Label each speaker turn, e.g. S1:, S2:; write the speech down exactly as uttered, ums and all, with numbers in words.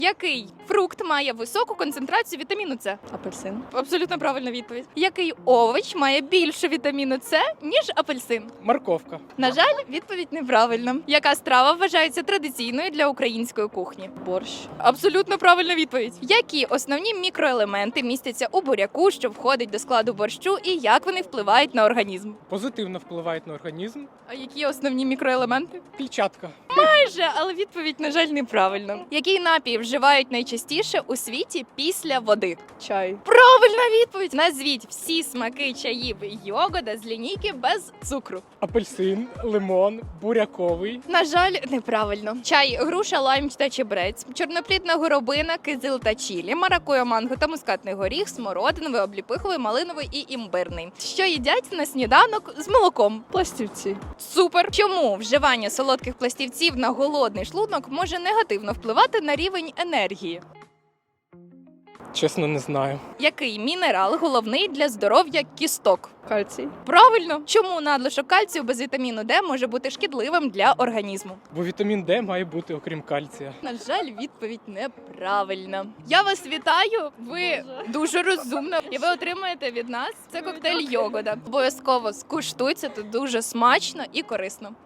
S1: Який фрукт має високу концентрацію вітаміну С?
S2: Апельсин.
S1: Абсолютно правильна відповідь. Який овоч має більше вітаміну С, ніж апельсин?
S3: Морковка.
S1: На жаль, відповідь неправильна. Яка страва вважається традиційною для української кухні?
S2: Борщ.
S1: Абсолютно правильна відповідь. Які основні мікроелементи містяться у буряку, що входить до складу борщу, і як вони впливають на організм?
S3: Позитивно впливають на організм.
S1: А які основні мікроелементи?
S3: Клітчатка.
S1: Майже, але відповідь, на жаль, неправильна. Який напій вживають найчастіше у світі після води?
S2: Чай.
S1: Правильна відповідь! Назвіть всі смаки чаїв йогода з лінійки без цукру.
S3: Апельсин, лимон, буряковий.
S1: На жаль, неправильно. Чай, груша, лайм та чебрець, чорноплідна горобина, кизил та чілі, маракуйя, манго та мускатний горіх, смородиновий, обліпиховий, малиновий і імбирний. Що їдять на сніданок з молоком?
S2: Пластівці.
S1: Супер! Чому вживання солодких пластівців на голодний шлунок може негативно впливати на рівень енергії?
S3: Чесно, не знаю.
S1: Який мінерал головний для здоров'я кісток?
S2: Кальцій.
S1: Правильно! Чому надлишок кальцію без вітаміну Д може бути шкідливим для організму?
S3: Бо вітамін Д має бути окрім кальція.
S1: На жаль, відповідь неправильна. Я вас вітаю. Ви дуже розумна, і ви отримаєте від нас це коктейль йогода. Обов'язково скуштуйте, це дуже смачно і корисно.